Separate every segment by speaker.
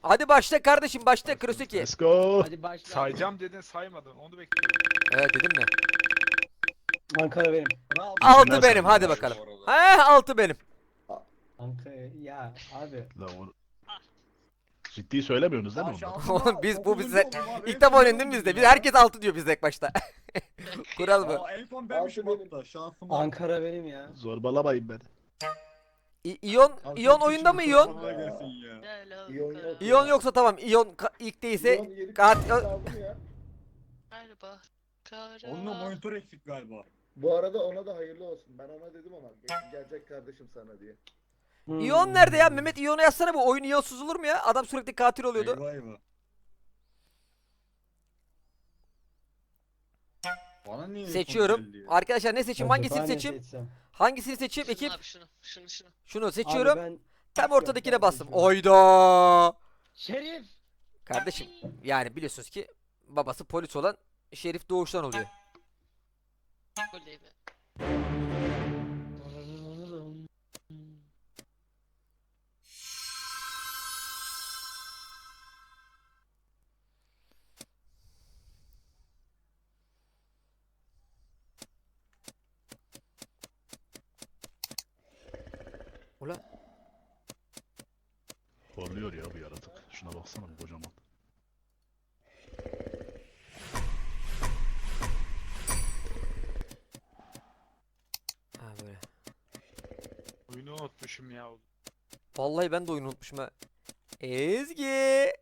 Speaker 1: Hadi başla kardeşim, başla Kurosaki.
Speaker 2: Let's go.
Speaker 3: Hadi başla.
Speaker 4: Sayacağım dedin saymadın. Onu bekliyorum.
Speaker 1: Evet dedim mi?
Speaker 3: Ankara benim.
Speaker 5: Bravo.
Speaker 1: Altı
Speaker 2: İçinden
Speaker 1: benim, hadi
Speaker 2: saydım
Speaker 1: bakalım.
Speaker 5: bu arada.
Speaker 1: He, 6 benim.
Speaker 3: Ankara ya abi.
Speaker 2: La onu... Ciddi söylemiyorsunuz değil mi
Speaker 5: Ya
Speaker 2: ondan?
Speaker 5: şansıma
Speaker 1: Oğlum biz bu
Speaker 5: 9.
Speaker 1: bize
Speaker 5: oldum abi.
Speaker 1: ilk defa
Speaker 5: En
Speaker 1: oynadın
Speaker 5: son
Speaker 1: biz de.
Speaker 5: oldum
Speaker 1: Biz
Speaker 5: ya.
Speaker 1: herkes 6 diyor bizde ilk başta. Kural bu.
Speaker 5: Aa, en son benmişim hatta. Şansıma.
Speaker 3: Ankara benim ya.
Speaker 2: Zorbalamayın beni.
Speaker 1: İyon,
Speaker 5: Abi
Speaker 1: İyon
Speaker 5: çok
Speaker 1: oyunda mı
Speaker 5: küçük
Speaker 1: İyon?
Speaker 5: insanlar gelsin ya.
Speaker 6: İyon yok.
Speaker 1: İyon yoksa tamam. İyon ilk değilse
Speaker 6: Galiba.
Speaker 5: Onunla monitör eksik galiba.
Speaker 7: Bu arada ona da hayırlı olsun. Ben ona dedim ama gelecek kardeşim sana diye.
Speaker 1: İyon nerede ya? Mehmet İyon'u yazsana, bu oyun İyonsuz olur mu ya? Adam sürekli katil oluyordu.
Speaker 5: Eyvah eyvah. Bana niye
Speaker 1: Seçiyorum.
Speaker 5: son geldi ya?
Speaker 1: Arkadaşlar ne seçeyim? Hangisini
Speaker 3: Acaba ne
Speaker 1: seçeyim?
Speaker 3: seçsem?
Speaker 1: Hangisini seçeyim
Speaker 6: Şunu
Speaker 1: ekip?
Speaker 6: abi şunu.
Speaker 1: Şunu seçiyorum.
Speaker 3: Abi ben
Speaker 1: Tam ortadakine
Speaker 3: ben
Speaker 1: bastım.
Speaker 3: seçiyorum.
Speaker 1: Oyda.
Speaker 3: Şerif.
Speaker 1: Kardeşim yani biliyorsunuz ki babası polis olan Şerif doğuştan oluyor.
Speaker 6: Oley be.
Speaker 1: Ula.
Speaker 2: Horluyor ya bu yaratık. Şuna baksana bu kocaman.
Speaker 1: Ha böyle.
Speaker 4: Oyunu unutmuşum ya.
Speaker 1: Vallahi ben de oyunu unutmuşum ha. Ezgi.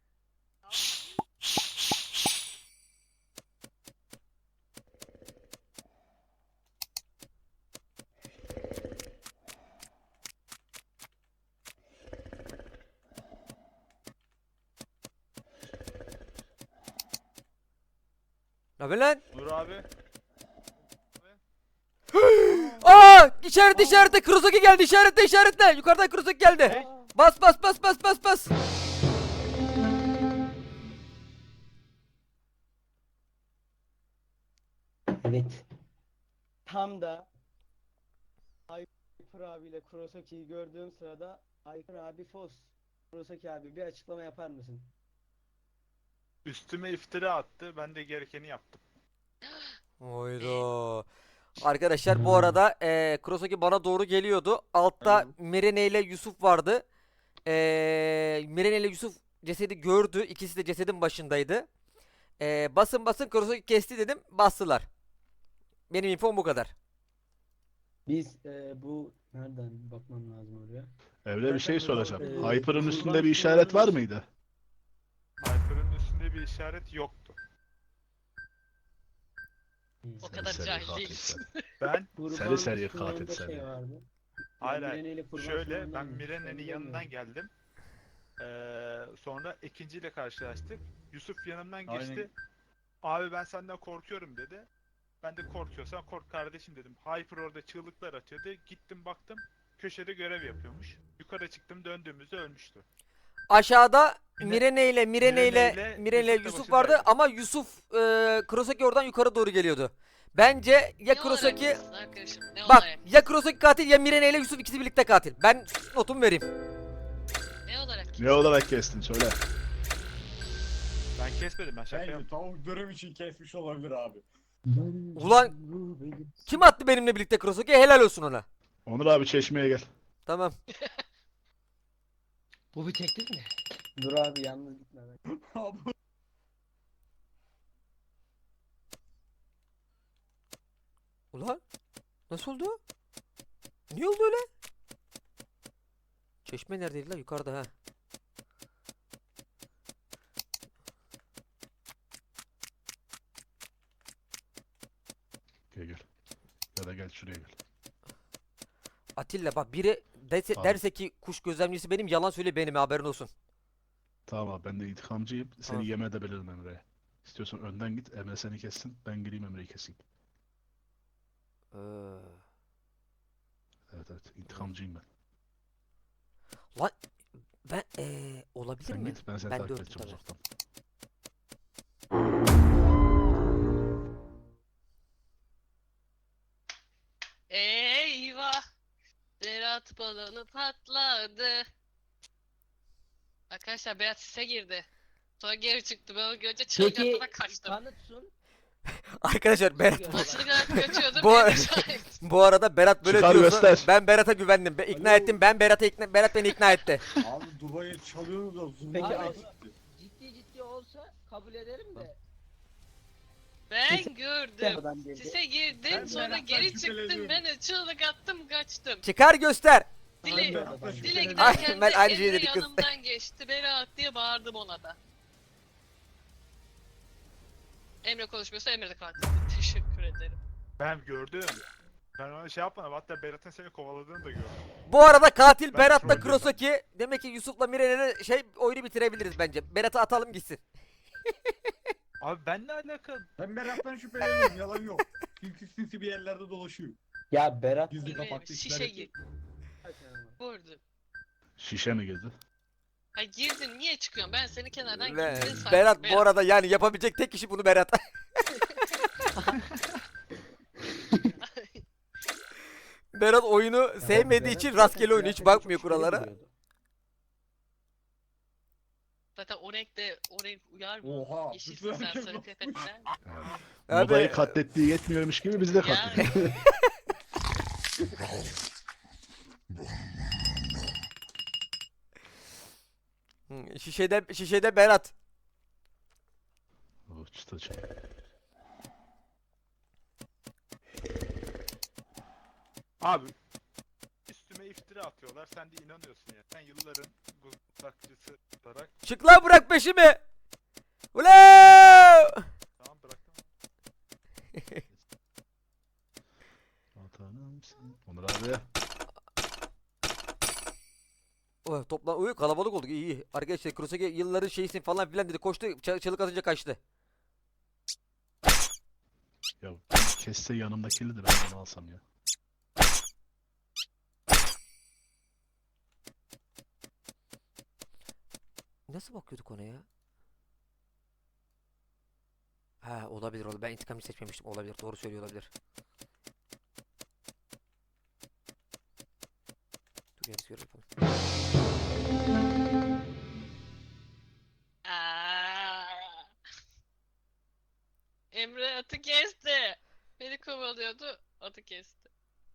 Speaker 1: Ne haber lan?
Speaker 4: Nur abi.
Speaker 1: Aa, işarette Kurosaki geldi, işaretle. Yukarıdan Kurosaki geldi. Bas.
Speaker 3: Evet. Tam da Hyper abiyle Kurosaki'yi gördüğüm sırada Hyper abi Fos. Kurosaki abi bir açıklama yapar mısın?
Speaker 4: Üstüme iftira attı. Ben de gerekeni yaptım.
Speaker 1: Oyda. Arkadaşlar bu arada Kurosaki bana doğru geliyordu. Altta Mirene ile Yusuf vardı. Mirene ile Yusuf cesedi gördü. İkisi de cesedin başındaydı. Basın Kurosaki kesti dedim. Bastılar. Benim infom bu kadar.
Speaker 3: Biz bu nereden bakmam lazım oraya?
Speaker 2: Evde bir şey soracağım. Hyper'ın
Speaker 3: kurban
Speaker 2: üstünde bir işaret var mıydı?
Speaker 4: Hyper'ın üstünde bir işaret yoktu.
Speaker 6: O kadar
Speaker 2: Seri
Speaker 6: cahil
Speaker 2: katil
Speaker 6: değilsin.
Speaker 2: sen.
Speaker 4: Ben
Speaker 3: Kurban
Speaker 2: seri
Speaker 3: Müslüman'da
Speaker 2: katil seni.
Speaker 3: şey vardı.
Speaker 4: Hayır,
Speaker 3: Mirene ile Kurban
Speaker 4: şöyle
Speaker 3: Müslüman'dan
Speaker 4: ben
Speaker 3: mı?
Speaker 4: Mirene'nin
Speaker 3: Ben
Speaker 4: yanından
Speaker 3: bilmiyorum.
Speaker 4: geldim. Sonra ikinciyle karşılaştık. Yusuf yanımdan geçti.
Speaker 5: Aynen.
Speaker 4: Abi ben senden korkuyorum dedi. Ben de korkuyorsan kork kardeşim dedim. Hyper orada çığlıklar atıyordu. Gittim baktım köşede görev yapıyormuş. Yukarı çıktım, döndüğümüzde ölmüştü.
Speaker 1: Aşağıda
Speaker 4: Yine
Speaker 1: Mirene ile
Speaker 4: Yusuf da
Speaker 1: Yusuf vardı
Speaker 4: başındaydı.
Speaker 1: ama Yusuf Kurosaki oradan yukarı doğru geliyordu. Bence ya
Speaker 6: Ne
Speaker 1: Kurosaki,
Speaker 6: olarak diyorsun arkadaşım? Ne
Speaker 1: bak
Speaker 6: olarak?
Speaker 1: ya Kurosaki katil ya Mirene ile Yusuf ikisi birlikte katil. Ben notumu vereyim.
Speaker 6: Ne olarak?
Speaker 2: Ne olarak kestin söyle.
Speaker 4: Ben kesmedim, ben şaka
Speaker 5: Bence
Speaker 4: yaptım.
Speaker 5: tavuk görev için kesmiş olabilir abi.
Speaker 1: Ulan kim attı benimle birlikte Kurosaki? Helal olsun ona.
Speaker 2: Onur abi çeşmeye gel.
Speaker 1: Tamam.
Speaker 3: Bu bir teklif mi? Dur abi yalnız gitme ben.
Speaker 5: Abi
Speaker 1: Ulan nasıl oldu? Niye oldu öyle? Çeşme neredeydi lan? Yukarıda ha.
Speaker 2: Gel. Ya da gel şuraya gel.
Speaker 1: Atilla bak biri
Speaker 2: Tamam.
Speaker 1: derse ki kuş gözlemcisi benim, yalan söyle benim, haberin olsun.
Speaker 2: Tamam abi ben de intikamcıyım. Seni
Speaker 1: Tamam.
Speaker 2: yem edebilirim Emre'ye. İstiyorsan önden git, Emre seni kessin. Ben gireyim Emre'yi keseyim.
Speaker 1: Ee,
Speaker 2: Evet intikamcıyım ben.
Speaker 1: ben olabilir
Speaker 2: Sen
Speaker 1: mi?
Speaker 2: git ben seni
Speaker 1: Ben
Speaker 2: takip
Speaker 1: dörtüm
Speaker 2: edeceğim
Speaker 1: tabii.
Speaker 2: uzaktan.
Speaker 6: Eyvah. Berat balonu patladı. Arkadaşlar Berat sise girdi. Sonra geri çıktı. Ben onu görünce çığlık
Speaker 3: Peki
Speaker 6: atarak kaçtım.
Speaker 3: kanıtsun.
Speaker 1: Arkadaşlar Berat
Speaker 6: Çığlık atarak kaçıyordum.
Speaker 1: Bu-
Speaker 6: Berat şahit.
Speaker 1: bu arada Berat böyle
Speaker 2: Çıkar
Speaker 1: diyorsa
Speaker 2: göster.
Speaker 1: ben Berat'a güvendim. İkna
Speaker 5: Alo.
Speaker 1: ettim. Berat beni ikna etti.
Speaker 5: Abi Dubai'ye çalıyorsunuz da zoom
Speaker 3: Peki
Speaker 5: var.
Speaker 3: abi, ciddi olsa kabul ederim de.
Speaker 6: Ben gördüm.
Speaker 3: Adam geldi.
Speaker 6: Sise girdim.
Speaker 5: Ben
Speaker 6: Sonra
Speaker 5: Berat'tan
Speaker 6: geri çıktım.
Speaker 5: şüpheleniyorum.
Speaker 6: Ben de çığlık attım kaçtım.
Speaker 1: Çıkar göster.
Speaker 6: Dile,
Speaker 5: Berat'tan
Speaker 6: dile
Speaker 5: şüpheleniyorum.
Speaker 6: giderken
Speaker 1: Ben
Speaker 6: de
Speaker 1: aynı şeyi
Speaker 6: Emre
Speaker 1: dedik kız.
Speaker 6: yanımdan geçti. Berat diye bağırdım ona da. Emre konuşmuyorsa Emre de kalktı. Teşekkür ederim.
Speaker 4: Ben gördüm. Ben ona şey yapmadım. Hatta Berat'ın seni kovaladığını da gördüm.
Speaker 1: Bu arada katil
Speaker 4: Ben
Speaker 1: Berat'la
Speaker 4: trollüyorum.
Speaker 1: Kurosaki. Demek ki Yusuf'la Mire'yle oyunu bitirebiliriz bence. Berat'ı atalım gitsin.
Speaker 4: Abi ben ne alakalı?
Speaker 5: Ben Berat'tan şüpheleniyorum yalan yok. Sinsi bir yerlerde dolaşıyor.
Speaker 3: Ya Berat
Speaker 5: Gizli
Speaker 6: Emre
Speaker 5: kapaklı
Speaker 6: şişe
Speaker 5: işler
Speaker 6: gir. Vurdu.
Speaker 2: Şişe mi girdi?
Speaker 6: Ha girdin niye çıkıyorsun? Ben seni kenardan
Speaker 1: Ve
Speaker 6: girdin sandım.
Speaker 1: Berat bu arada yani yapabilecek tek kişi bunu Berat. Berat oyunu sevmediği için rastgele oyunu hiç bakmıyor kurallara.
Speaker 6: Zaten o renk uyar mı?
Speaker 5: Oha.
Speaker 6: Yeşil
Speaker 5: bütün
Speaker 6: sen
Speaker 5: herkes
Speaker 6: sarı
Speaker 5: bakmış.
Speaker 6: tepetler.
Speaker 2: Yani,
Speaker 1: Abi-
Speaker 2: Modayı katlettiği yetmiyormuş gibi bizi de katlediyor.
Speaker 1: Şişede Berat.
Speaker 2: O çıtacı.
Speaker 4: Abi üstüme iftira atıyorlar. Sen de inanıyorsun ya. Sen yılların guzlakçısı olarak.
Speaker 1: Çık lan bırak peşimi. Ulan!
Speaker 4: Tamam bıraktım.
Speaker 2: Vatanımsın. Onur abi.
Speaker 1: Oh, toplan uy kalabalık olduk iyi iyi. Arkadaşlar Kurosaki yılların şeysin falan filan dedi. Koştu çığlık atınca kaçtı.
Speaker 2: Ya kesse yanımdakini de ben onu alsam ya.
Speaker 1: Nasıl bakıyorduk ona ya? Ha olabilir olabilir. Ben intikamı seçmemiştim. Olabilir. Doğru söylüyor olabilir. Dur yarısı görev yapalım.
Speaker 6: Emre atı kesti. Beni kovalıyordu. Atı kesti.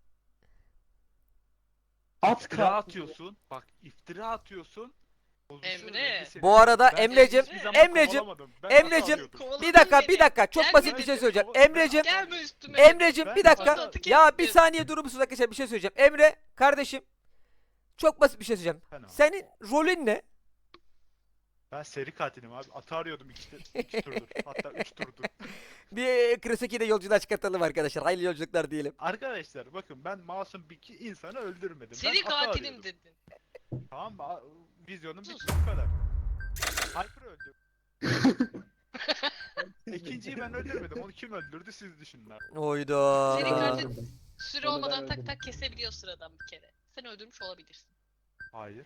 Speaker 3: at
Speaker 4: İftira
Speaker 3: kalktı.
Speaker 4: atıyorsun. Bak iftira atıyorsun. Bozuşuyor,
Speaker 6: Emre.
Speaker 4: rengi senin.
Speaker 1: Bu arada
Speaker 4: Ben
Speaker 1: Emre'cim,
Speaker 4: hiçbir zaman
Speaker 1: Emre'cim,
Speaker 4: kovalamadım. Ben
Speaker 1: Emre'cim,
Speaker 4: hata arıyordum.
Speaker 6: Kovaladın
Speaker 1: bir dakika,
Speaker 6: beni.
Speaker 1: bir dakika. Çok
Speaker 6: Gelme
Speaker 1: basit bir şey
Speaker 6: beni.
Speaker 1: söyleyeceğim.
Speaker 4: Ben-
Speaker 1: Emre'cim,
Speaker 6: Gelme üstüme.
Speaker 1: Emre'cim
Speaker 4: Ben
Speaker 1: bir dakika.
Speaker 6: atı
Speaker 1: Ya bir
Speaker 6: kestim.
Speaker 1: saniye durur musunuz arkadaşlar? Bir şey söyleyeceğim. Emre, kardeşim. Çok basit bir şey söyleyeceğim.
Speaker 4: Sen abi.
Speaker 1: Senin rolün ne?
Speaker 4: Ben seri katilim abi. Atı arıyordum iki turdur. Hatta 3 turdur.
Speaker 1: Bir Kurosaki'de yolculuğa çıkartalım arkadaşlar. Hayırlı yolculuklar diyelim.
Speaker 4: Arkadaşlar bakın ben masum bir iki insanı öldürmedim.
Speaker 6: Seri
Speaker 4: ben atı
Speaker 6: katilim
Speaker 4: arıyordum.
Speaker 6: dedin.
Speaker 4: Tamam mı? Vizyonum
Speaker 6: Sus.
Speaker 4: bitti bu kadar. Hyper öldü. İkinciyi ben öldürmedim. Onu kim öldürdü siz düşünün abi.
Speaker 1: Oyda.
Speaker 6: Seri katil süre
Speaker 3: Onu ben
Speaker 6: olmadan tak
Speaker 3: öldürdüm.
Speaker 6: tak kesebiliyor sıradan bir kere. Sen öldürmüş olabilirsin.
Speaker 4: Hayır.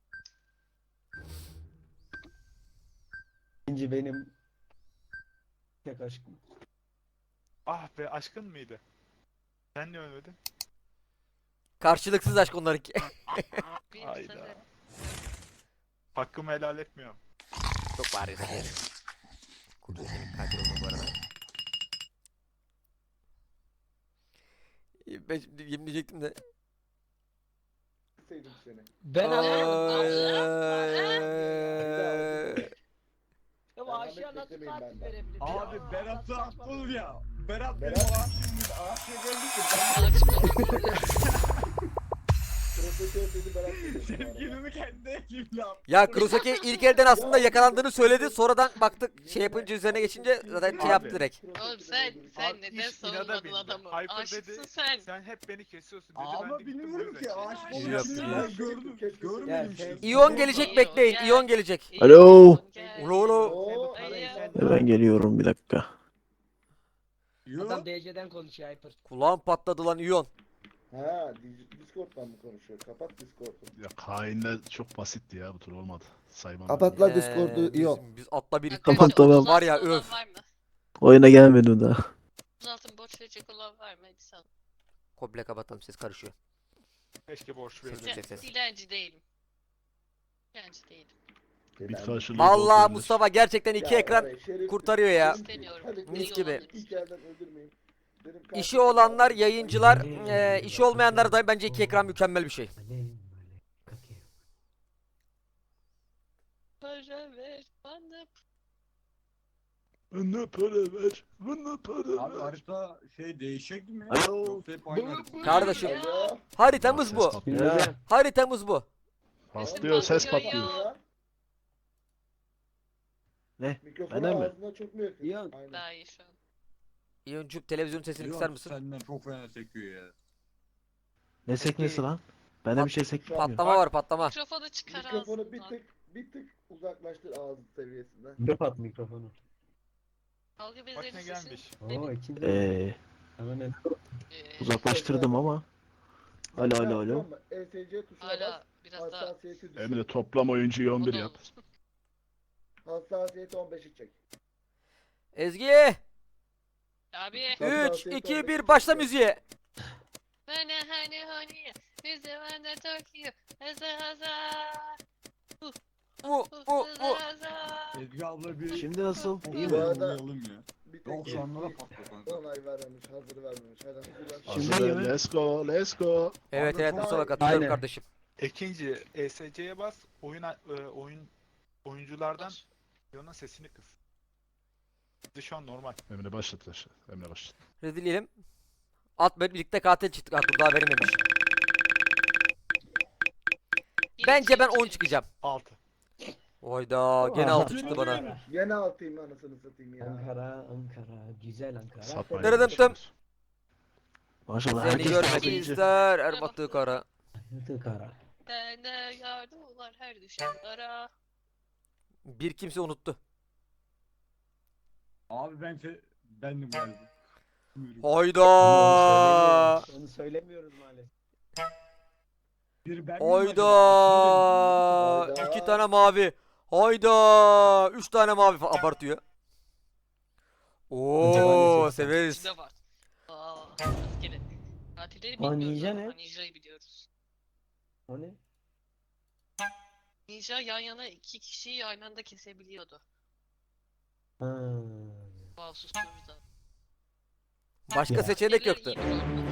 Speaker 3: İkinci benim tek aşkım.
Speaker 4: Ah be aşkın mıydı? Sen niye ölmedin?
Speaker 1: Karşılıksız aşk onlarınki.
Speaker 6: Benim
Speaker 4: Hayda.
Speaker 6: sana...
Speaker 4: Hakkımı helal etmiyorum.
Speaker 1: Çok bağırıyorsun yani. Kurosaki'nin katil olduğu bu arada. Ben şimdi yemin diyecektim de.
Speaker 7: Sevdim seni.
Speaker 3: Ben
Speaker 1: Ay.
Speaker 3: Ya aşağı nasıl
Speaker 7: beklemeyin
Speaker 3: katil
Speaker 7: benden.
Speaker 3: verebilir?
Speaker 5: Abi
Speaker 3: Ya,
Speaker 5: Berat'ı
Speaker 3: saçma
Speaker 5: attın ya. Berat benim
Speaker 7: Berat-
Speaker 5: aşığımdı. Aşığa geldi ki
Speaker 7: Profesör dedi Berat dedi.
Speaker 5: ben sevgilimi kendi ekibimle yaptım.
Speaker 1: Ya Kurosaki ilk elden aslında yakalandığını söyledi. Sonradan baktık şey yapınca üzerine geçince zaten şey
Speaker 4: Abi.
Speaker 1: yaptı direkt.
Speaker 6: Oğlum sen
Speaker 4: Abi
Speaker 6: neden
Speaker 4: iş inada
Speaker 6: savunmadın
Speaker 4: bindi.
Speaker 6: adamı?
Speaker 4: Hyper
Speaker 6: Aşıksın
Speaker 4: dedi,
Speaker 6: sen.
Speaker 4: Sen hep beni kesiyorsun dedi. ben
Speaker 5: Ama
Speaker 4: de gittim
Speaker 5: bilmiyorum
Speaker 4: bu
Speaker 5: ki
Speaker 4: yüzden
Speaker 5: aşık
Speaker 4: kestim.
Speaker 1: İyi
Speaker 5: olmuşsun.
Speaker 1: yaptın
Speaker 5: Ben gördüm. Görmedim
Speaker 3: Ya,
Speaker 5: işte.
Speaker 1: İyon gelecek bekleyin. İyon gelecek.
Speaker 6: İyi,
Speaker 8: Alo.
Speaker 6: gel.
Speaker 1: Ulu ulu.
Speaker 3: Oo,
Speaker 6: Ay,
Speaker 8: Hemen geliyorum bir dakika.
Speaker 5: Yo.
Speaker 3: Adam DC'den konuşuyor Hyper.
Speaker 1: Kulağım patladı lan İyon.
Speaker 7: Ha, Discord'dan mı konuşuyor? Kapat Discord'u.
Speaker 2: Ya hainle çok basitti ya bu tur olmadı. Saymam.
Speaker 7: Kapat lan Discord'u.
Speaker 1: Biz atla bir
Speaker 8: Tamam, tamam.
Speaker 1: Var ya,
Speaker 6: Uzatın olan
Speaker 1: öf.
Speaker 6: var mı?
Speaker 8: Oyuna gelmedim daha.
Speaker 6: Uzatın borç verecek olan var mı? Hadi sal.
Speaker 1: Komple kapatalım ses karışıyor.
Speaker 4: Keşke borç verirdim.
Speaker 1: Ses, ses.
Speaker 6: Dilenci değilim. Dilenci değilim.
Speaker 2: Bit karşılığı
Speaker 1: Vallahi
Speaker 2: bol verilir.
Speaker 1: Mustafa gerçekten iki ekran kurtarıyor ya.
Speaker 6: İstemiyorum.
Speaker 1: Mis
Speaker 6: İyi
Speaker 1: gibi.
Speaker 6: olan
Speaker 7: İlk elden öldürmeyin. Benim
Speaker 1: İşi
Speaker 7: kardeşim
Speaker 1: olanlar,
Speaker 7: abi-
Speaker 1: yayıncılar, işi olmayanlar da bence iki ekran mükemmel bir şey.
Speaker 6: para ver bana.
Speaker 2: Bana para ver. Bana para
Speaker 5: Abi
Speaker 2: ver.
Speaker 5: harita şey değişecek mi?
Speaker 8: Alo.
Speaker 5: Yoksa hep aynı harita.
Speaker 1: Kardeşim.
Speaker 7: Alo.
Speaker 1: Haritamız
Speaker 2: Ses
Speaker 1: bu.
Speaker 2: patlıyor.
Speaker 1: Haritamız bu.
Speaker 2: Patlıyor, ses
Speaker 6: patlıyor
Speaker 2: patlıyor.
Speaker 6: ya.
Speaker 8: Ne?
Speaker 7: Mikrofonu
Speaker 8: Bana mı?
Speaker 7: ağzına çok mu yakın?
Speaker 3: İyi.
Speaker 7: Aynen.
Speaker 6: Daha iyi şu an.
Speaker 1: Yoncuk televizyon sesini
Speaker 5: Yok,
Speaker 1: kısar mısın?
Speaker 5: Senden çok fena sekiyor ya.
Speaker 8: Ne sekmesi lan? Bende bir şey sekmiyor.
Speaker 1: Patlama var, patlama.
Speaker 6: Mikrofonu çıkar
Speaker 7: Mikrofonu bir
Speaker 6: ağzından.
Speaker 7: tık uzaklaştır ağız seviyesinden.
Speaker 3: Kapat mikrofonu.
Speaker 6: Dalga
Speaker 4: Bak ne
Speaker 6: bezleri
Speaker 4: gelmiş.
Speaker 3: Oo ikinci.
Speaker 8: Ee, uzaklaştırdım ama. Alo alo alo.
Speaker 7: Tamam mı? ESC tuşuna bas.
Speaker 6: Hala biraz daha.
Speaker 7: Hassasiyeti düşür.
Speaker 2: Emre toplam oyuncuyu 11
Speaker 6: O da
Speaker 2: yap.
Speaker 6: olur.
Speaker 7: Hassasiyeti 15'i çek.
Speaker 1: Ezgi!
Speaker 6: Abi.
Speaker 1: 3, 2, 1 başla müziğe.
Speaker 6: Hani bize bende Tokyo. Haza.
Speaker 1: Mu mu mu.
Speaker 5: Ezgi abla bir
Speaker 8: Şimdi nasıl? İyi
Speaker 7: Bu
Speaker 8: mi?
Speaker 7: arada-
Speaker 5: yollayalım ya.
Speaker 7: Bir tek
Speaker 5: Yoksa onlara patla kanka.
Speaker 7: onay vermemiş, hazır vermemiş. Hadi hazır ver.
Speaker 8: Şimdi
Speaker 2: Hazır,
Speaker 8: iyi mi?
Speaker 2: let's go, let's go.
Speaker 1: Evet
Speaker 5: Abi,
Speaker 1: evet
Speaker 5: çok-
Speaker 1: Mustafa katılıyorum
Speaker 3: Aynen.
Speaker 1: kardeşim.
Speaker 4: İkinci ESC'ye bas. Oyunculardan Leon'un sesini kıs. Şu an normal.
Speaker 2: Emre başlat aşağı. Emre başlat.
Speaker 1: Rezil Atmet birlikte katil çıktık. Ha dur daha verilmemiş. Bence ben 10 çıkacağım.
Speaker 4: 6.
Speaker 1: Oyda gene 6 çıktı bana.
Speaker 7: Gene altayım anasını satayım ya.
Speaker 3: Ankara, güzel Ankara.
Speaker 2: Satmayın.
Speaker 1: Dırıdım tım.
Speaker 8: Maşallah
Speaker 1: Seni
Speaker 8: herkes
Speaker 1: görmek
Speaker 8: kazanıcı.
Speaker 1: ister Erbaktı kara.
Speaker 3: Ankara.
Speaker 6: Sende yardımlar her düşenlara.
Speaker 1: Bir kimse unuttu.
Speaker 5: Abi bendim galiba. Buyurun.
Speaker 1: Hayda.
Speaker 3: Onu söylemiyoruz maalesef.
Speaker 5: Bir ben miyim
Speaker 1: Hayda.
Speaker 7: Hayda.
Speaker 1: 2 tane mavi. Hayda. 3 tane mavi abartıyor. Oo severiz.
Speaker 6: İçinde var. Rastgele. Katilleri
Speaker 3: Aa,
Speaker 6: bilmiyoruz
Speaker 3: ninja
Speaker 6: ama
Speaker 3: ne?
Speaker 6: Ninja'yı biliyoruz.
Speaker 3: O ne?
Speaker 6: Ninja yan yana iki kişiyi aynı anda kesebiliyordu.
Speaker 3: Ha.
Speaker 6: Wow susturucuda.
Speaker 1: Başka
Speaker 3: Ya.
Speaker 1: seçenek
Speaker 6: Katilleri
Speaker 1: yoktu.
Speaker 6: iyi bir oyundu.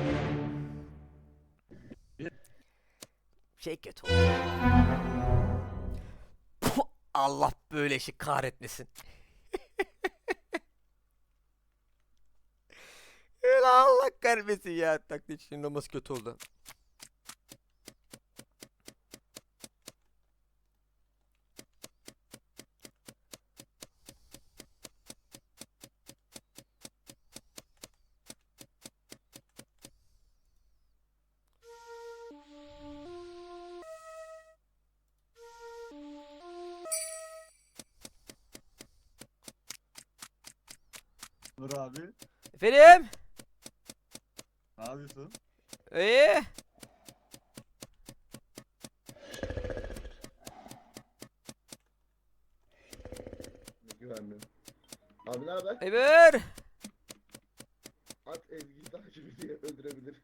Speaker 1: Şey kötü oldu. Puh, Allah böyle işi kahretmesin. Allah kahretmesin ya. Taklit şimdi olması kötü oldu.
Speaker 5: Dur abi.
Speaker 1: Efendim?
Speaker 5: Ne yapıyorsun?
Speaker 1: İyi.
Speaker 7: Güvenmiyorum. Abi ne haber?
Speaker 1: Emir.
Speaker 7: At Ezgi'yi takip diye öldürebilir.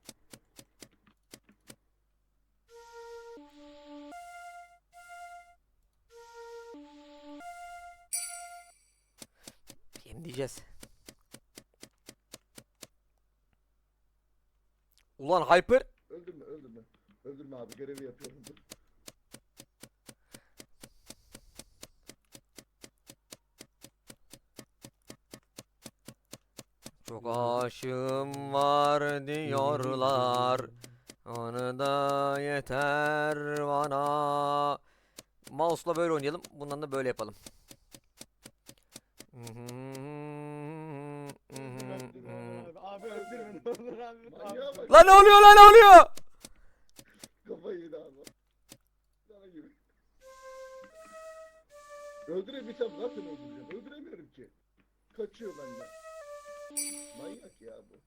Speaker 1: Yem diyeceğiz. Ulan Hyper.
Speaker 7: Öldürme öldürme. Öldürme abi görevi yapıyorum. Dur.
Speaker 1: Çok aşığım var diyorlar. Onu da yeter bana. Mouse'la böyle oynayalım. Bundan da böyle yapalım.
Speaker 3: Abi öldürme ne olur abi.
Speaker 7: Manyağa bak.
Speaker 1: Lan ne oluyor lan ne oluyor?
Speaker 7: Kafayı yedi abi. Sana gibi. Öldürebilsem zaten öldüreceğim. Öldüremiyorum ki. Kaçıyor benden. Manyak ya bu.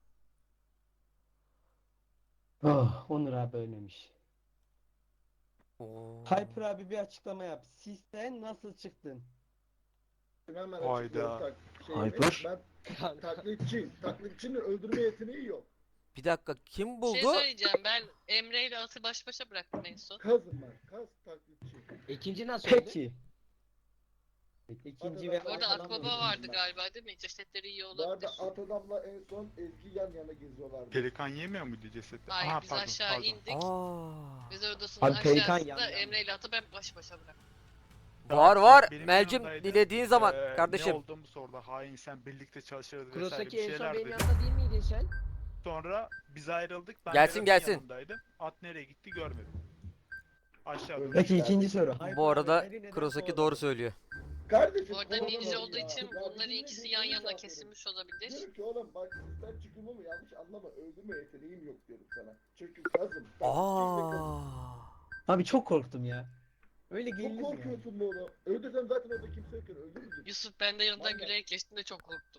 Speaker 3: Oh, Onur abi ölmemiş.
Speaker 1: Oo.
Speaker 3: Hyper abi bir açıklama yap. Sisten nasıl çıktın?
Speaker 7: Hemen
Speaker 4: Hayda.
Speaker 7: açıklıyorum.
Speaker 8: Hyper.
Speaker 7: Ben taklitçiyim. Taklitçinin öldürme yeteneği yok.
Speaker 1: Bir dakika kim
Speaker 6: Bir şey
Speaker 1: buldu?
Speaker 6: söyleyeceğim. Ben Emre ile At'ı baş başa bıraktım en son.
Speaker 7: Kazım ben. Kaz taklitçi.
Speaker 3: İkinci nasıl öldü?
Speaker 9: Peki.
Speaker 3: İkinci ve
Speaker 6: Orada
Speaker 3: arkadan
Speaker 6: Akbaba
Speaker 3: vurdum
Speaker 6: vardı
Speaker 3: ben.
Speaker 6: galiba değil mi? Cesetleri iyi
Speaker 7: Bu
Speaker 6: olabilir.
Speaker 7: arada at adamla en son Ezgi yan yana geziyorlardı.
Speaker 4: Pelikan yemiyor muydu cesedi?
Speaker 6: Hayır
Speaker 4: Aha,
Speaker 6: biz
Speaker 4: pardon,
Speaker 6: aşağı
Speaker 4: pardon.
Speaker 6: indik.
Speaker 1: Aa.
Speaker 6: Biz odasının
Speaker 9: Abi Pelikan
Speaker 6: aşağısında
Speaker 9: yan yana.
Speaker 6: Emre ile At'ı ben baş başa bıraktım.
Speaker 1: Var var.
Speaker 4: Benim
Speaker 1: Melcim
Speaker 4: yanımdaydı.
Speaker 1: dilediğin zaman
Speaker 4: Ne
Speaker 1: kardeşim.
Speaker 4: olduğumu sordu. Hain sen birlikte çalışırız vesaire bir
Speaker 9: Kurosaki en son
Speaker 4: şeyler
Speaker 9: benim
Speaker 4: dedi.
Speaker 9: yanımda değil miydin sen?
Speaker 4: Sonra biz ayrıldık. Ben
Speaker 1: Gelsin,
Speaker 4: Berat'ın
Speaker 1: gelsin.
Speaker 4: yanındaydım. At nereye gitti görmedim. Aşağıda.
Speaker 9: Peki ikinci soru.
Speaker 3: Hyper
Speaker 1: Bu
Speaker 3: abi,
Speaker 1: arada
Speaker 3: beni neden
Speaker 1: Kurosaki
Speaker 3: kovaladın?
Speaker 1: doğru söylüyor.
Speaker 7: Kardeşim.
Speaker 6: Orada
Speaker 7: kovalama
Speaker 6: ninja
Speaker 7: ya.
Speaker 6: olduğu için
Speaker 7: Ya
Speaker 6: bunların
Speaker 7: bizimle
Speaker 6: ikisi yan
Speaker 7: birbirini
Speaker 6: yana
Speaker 7: çarpıyorum.
Speaker 6: kesilmiş olabilir.
Speaker 7: Diyorum ki oğlum bak sen çıkımımı yanlış anlama. Öldürme yeteneğim yok diyorum sana. Çünkü kazım.
Speaker 1: Aa.
Speaker 9: Abi çok korktum ya.
Speaker 3: Öyle
Speaker 7: Çok
Speaker 3: gelir mi?
Speaker 7: korkuyorsun bu oğlum. Öldürsem zaten orada kimse yokken öldürürdüm.
Speaker 6: Yusuf ben de yanından
Speaker 7: Vallahi.
Speaker 6: gülerek geçtim de çok korktum.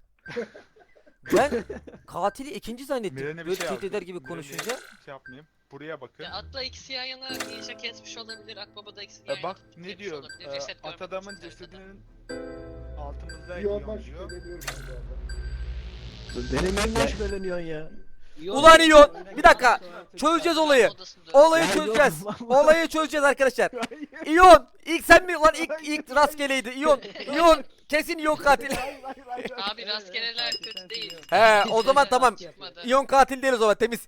Speaker 1: Ben katili ikinci zannettim.
Speaker 4: Miren'e bir
Speaker 1: Böyle
Speaker 4: şey
Speaker 1: tehdit eder
Speaker 4: yaptım.
Speaker 1: gibi
Speaker 4: Miren'e
Speaker 1: konuşunca.
Speaker 4: Şey yapmayayım. Buraya bakın.
Speaker 6: Ya At'la ikisi yan yana ninja kesmiş olabilir. Akbaba da ikisi yan yana
Speaker 4: Bak ne
Speaker 6: kesmiş
Speaker 4: diyor?
Speaker 6: olabilir. Ceset
Speaker 4: At
Speaker 6: görmedim
Speaker 4: adamın
Speaker 6: çünkü haritada.
Speaker 4: cesedinin altımızda
Speaker 7: Bir
Speaker 4: yiyor
Speaker 7: ondan
Speaker 4: diyor.
Speaker 7: şüpheleniyorum ben bu arada.
Speaker 8: Benim neyimden şüpheleniyorsun ya?
Speaker 1: Ulan İyon, bir dakika. Çözeceğiz olayı.
Speaker 6: Odasında.
Speaker 1: Olayı
Speaker 8: Ya
Speaker 1: çözeceğiz.
Speaker 8: yok.
Speaker 1: Olayı çözeceğiz arkadaşlar. İyon, ilk sen mi lan ilk rastgeleydi. İyon kesin İyon katil.
Speaker 6: Abi rastgeleler kötü değil.
Speaker 1: He, o zaman tamam.
Speaker 6: Çıkmadı.
Speaker 1: İyon katil değil o zaman temiz.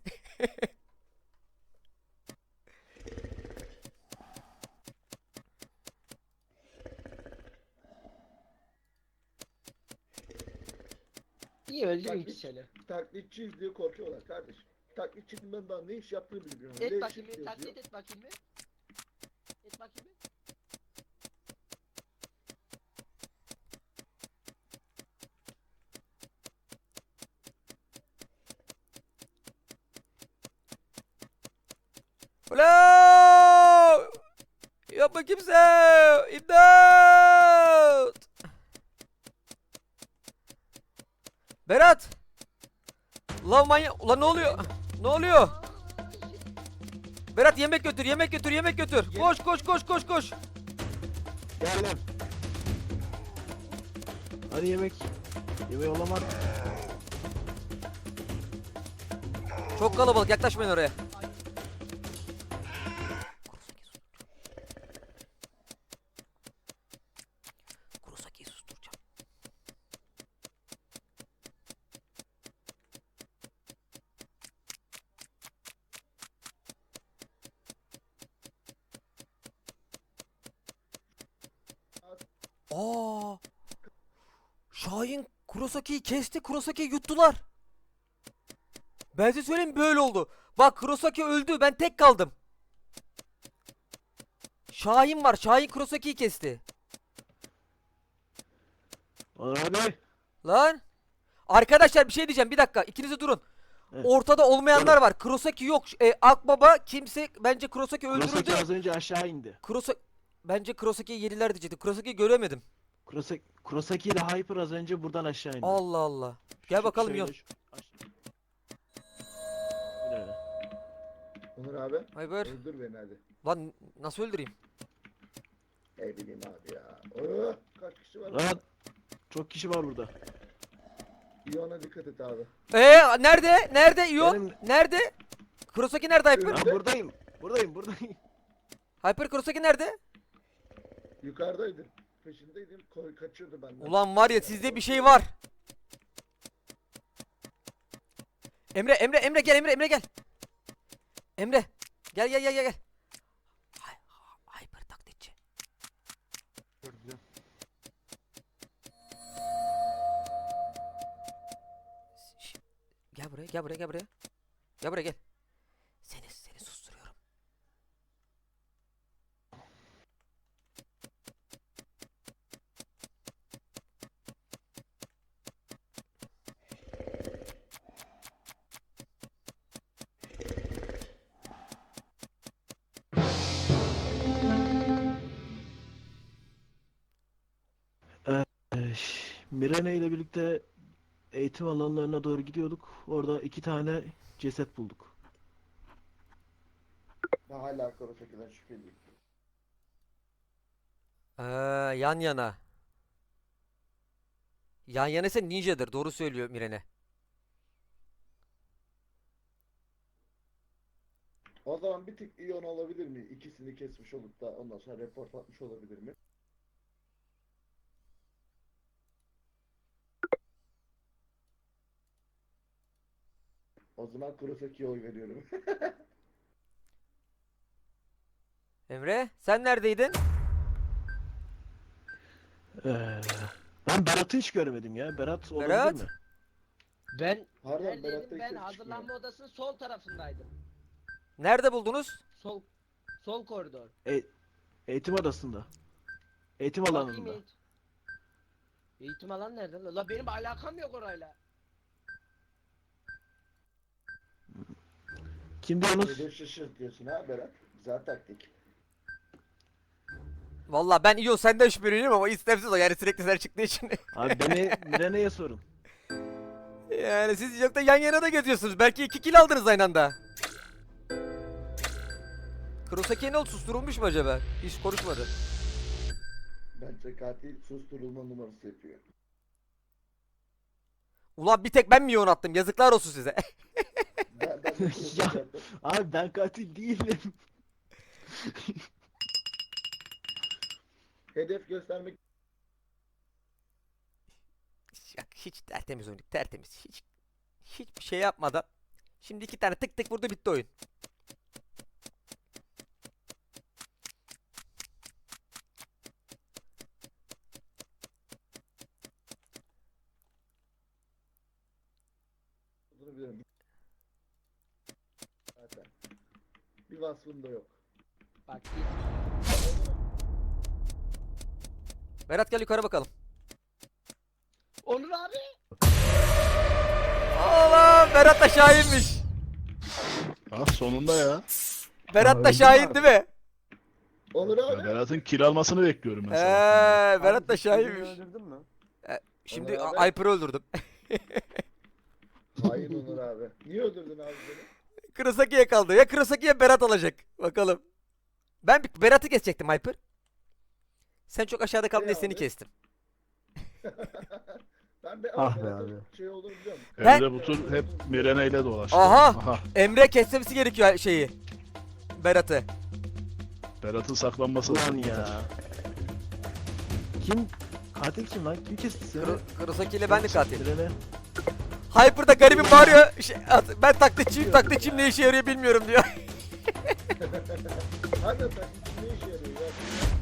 Speaker 9: İyi öldü
Speaker 7: Bak,
Speaker 9: iki sene.
Speaker 7: Taklitçiyiz diye korkuyorlar kardeşim. Taklitçinin ben daha ne iş yaptığını bilmiyorum.
Speaker 9: Et
Speaker 7: Ne
Speaker 9: bakayım
Speaker 7: iş
Speaker 9: bir
Speaker 7: yazıyor.
Speaker 9: taklit et bakayım bir. Et bakayım bir.
Speaker 1: Ulan! Yapma kimse! İmdat! Berat! Ulan manyak! Ulan ne oluyor? Ne oluyor? Berat yemek götür, yemek götür, yemek götür. Koş, koş, koş, koş, koş.
Speaker 8: Geldim. Hadi yemek. Yemeği olamaz.
Speaker 1: Çok kalabalık, yaklaşmayın oraya. Kurosaki'yi susturacağım. Aa! Şahin Kurosaki'yi kesti, Kurosaki'yi yuttular. Ben size söyleyeyim böyle oldu. Bak Kurosaki öldü, ben tek kaldım. Şahin var, Şahin Kurosaki'yi kesti.
Speaker 8: Onur abi.
Speaker 1: Lan! Arkadaşlar bir şey diyeceğim, bir dakika, ikiniz de durun.
Speaker 8: Evet.
Speaker 1: Ortada olmayanlar var. Kurosaki yok. Akbaba kimse, bence Kurosaki
Speaker 8: Kurosaki
Speaker 1: öldürüldü.
Speaker 8: az önce aşağı indi.
Speaker 1: Bence Kurosaki'yi yediler diyecektim. Kurosaki'yi göremedim.
Speaker 8: Kurosaki ile Hyper az önce buradan aşağı indi.
Speaker 1: Allah Allah. Gel bakalım
Speaker 8: Şöyle
Speaker 1: Yon.
Speaker 8: Bu ne öyle?
Speaker 7: Onur abi.
Speaker 1: Hayber.
Speaker 7: Öldür beni hadi.
Speaker 1: Lan nasıl öldüreyim?
Speaker 7: Ne bileyim abi ya. Oh, kaç kişi var?
Speaker 8: Lan çok kişi var burada.
Speaker 7: İyona dikkat et abi.
Speaker 1: Nerede? Nerede Yon?
Speaker 8: Benim-
Speaker 1: Nerede? Kurosaki nerede Hyper?
Speaker 8: Ben buradayım. Buradayım.
Speaker 1: Hyper Kurosaki nerede?
Speaker 7: Yukarıdaydım. Peşindeydim. Kaçıyordu benden.
Speaker 1: Ulan var ya sizde bir şey var. Emre gel Emre gel. Emre gel. Hyper taklitçi.
Speaker 4: Gördüm.
Speaker 1: Şş, gel buraya. Gel buraya gel. Seni susturuyorum.
Speaker 8: Mirene ile birlikte eğitim alanlarına doğru gidiyorduk. Orada 2 tane ceset bulduk.
Speaker 7: Ben hala Kurosaki'den şüpheliyim.
Speaker 1: Yan yana. Yan yana ise ninja'dır. Doğru söylüyor Mirene.
Speaker 7: O zaman bir tık Ion olabilir mi? İkisini kesmiş olup da ondan sonra report atmış olabilir mi? O zaman Kurosaki'ye oy veriyorum.
Speaker 1: Emre sen neredeydin?
Speaker 8: Ben Berat'ı hiç görmedim ya. Berat olabilir
Speaker 1: Berat?
Speaker 8: mi?
Speaker 9: Ben
Speaker 7: Pardon Berat'ta
Speaker 9: neredeydim?
Speaker 7: hiç
Speaker 9: Ben
Speaker 7: ses
Speaker 9: hazırlanma
Speaker 7: çıkmıyor.
Speaker 9: odasının sol tarafındaydım.
Speaker 1: Nerede buldunuz?
Speaker 9: Sol koridor.
Speaker 8: Eğitim odasında. Eğitim
Speaker 9: Bakayım
Speaker 8: alanında.
Speaker 9: eğitim alan nerede? La benim alakam yok orayla.
Speaker 8: Kim diyorsunuz?
Speaker 7: Hedef şaşırt diyorsun ha Berat. Güzel taktik.
Speaker 1: Vallahi ben İyo senden şüpheleniyorum ama istemsiz o yani sürekli sen çıktığı için.
Speaker 8: Abi beni Mirene'ye sorun.
Speaker 1: Yani siz çok da yan yana da geziyorsunuz. Belki 2 kill aldınız aynı anda. Kurosaki'ye ne oldu? Susturulmuş mu acaba? Hiç konuşmadı.
Speaker 7: Bence katil susturulma numarası yapıyor.
Speaker 1: Ulan bir tek ben mi yoğun attım? Yazıklar olsun size.
Speaker 7: Ben de Kurosaki yaptım.
Speaker 8: Abi ben katil değilim.
Speaker 7: Hedef göstermek
Speaker 1: Hiç tertemiz oynadık. Tertemiz. Hiçbir şey yapmadan. Şimdi 2 tane tık tık vurdu bitti oyun.
Speaker 7: olduğunu biliyorum. Zaten. Bir vasfım da yok.
Speaker 9: Bak
Speaker 1: Berat gel yukarı bakalım.
Speaker 9: Onur abi.
Speaker 1: Allah Berat da şahinmiş.
Speaker 2: Ah sonunda ya.
Speaker 1: Berat da şahin değil mi?
Speaker 7: Onur
Speaker 2: Ya
Speaker 7: abi.
Speaker 2: Berat'ın kill almasını bekliyorum ben sabahtan beri.
Speaker 1: Berat da
Speaker 3: Abi, seni
Speaker 1: şahinmiş.
Speaker 3: öldürdün mü?
Speaker 1: Şimdi
Speaker 7: Onur abi.
Speaker 1: Ayper'i öldürdüm.
Speaker 7: Hayır Onur abi. Niye öldürdün abi beni?
Speaker 1: Kurosaki'ye kaldı. Ya Kurosaki ya Berat alacak. Bakalım. Ben Berat'ı kesecektim Ayper. Sen çok aşağıda kaldın diye
Speaker 7: Ne
Speaker 1: seni
Speaker 7: abi?
Speaker 1: kestim.
Speaker 7: Ben de
Speaker 8: Ah be
Speaker 7: Berat'ın
Speaker 8: abi.
Speaker 7: şey olduğunu biliyorum.
Speaker 1: Ben-
Speaker 2: Emre bu tur hep Mirene ile dolaştı.
Speaker 1: Aha! Emre kesmesi gerekiyor şeyi. Berat'ı.
Speaker 2: Berat'ın saklanması
Speaker 8: Ulan
Speaker 2: lazım.
Speaker 8: ya. Kim? Katil kim lan? Kim kesti seni?
Speaker 1: Kurosaki ile ben de katil.
Speaker 8: Mirene.
Speaker 1: Hyper'da garibim bağırıyor. Ben taklitçiyim ne işe yarıyor bilmiyorum diyor.
Speaker 7: Hadi sen ne işe yarıyor ya?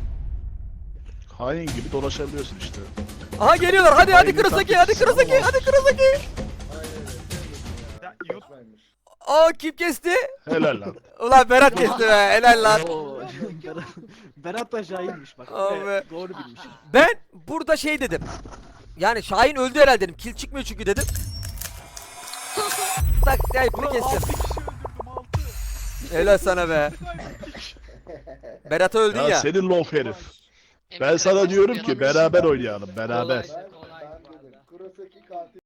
Speaker 2: Hain gibi dolaşabiliyorsun işte.
Speaker 1: Aha geliyorlar. Hadi
Speaker 2: Aynı
Speaker 1: Kurosaki,
Speaker 2: taklit.
Speaker 1: hadi Kurosaki.
Speaker 7: Aynen öyle.
Speaker 4: Ya, yok.
Speaker 7: Saçmaymış.
Speaker 1: Aa kim kesti?
Speaker 2: Helal lan.
Speaker 1: Ulan Berat kesti be. Helal lan.
Speaker 8: Oo, Berat da şahinmiş bak.
Speaker 1: Abi.
Speaker 8: Evet, doğru bilmişim.
Speaker 1: Ben burada şey dedim. Yani Şahin öldü herhalde dedim. Kill çıkmıyor çünkü dedim. Tak Hyper'ı
Speaker 4: Ulan
Speaker 1: kestim.
Speaker 4: 6 kişi öldürdüm 6.
Speaker 1: Helal sana be. Berat'a öldün
Speaker 2: Ya
Speaker 1: ya.
Speaker 2: senin lof herif.
Speaker 6: Emre
Speaker 2: Ben sana
Speaker 6: kaç
Speaker 2: diyorum
Speaker 6: yaşında?
Speaker 2: ki beraber oynayalım beraber.
Speaker 9: Kolaydı,
Speaker 7: Ben
Speaker 9: kolaydı
Speaker 7: dedim.
Speaker 9: valla.
Speaker 7: Kurosaki katil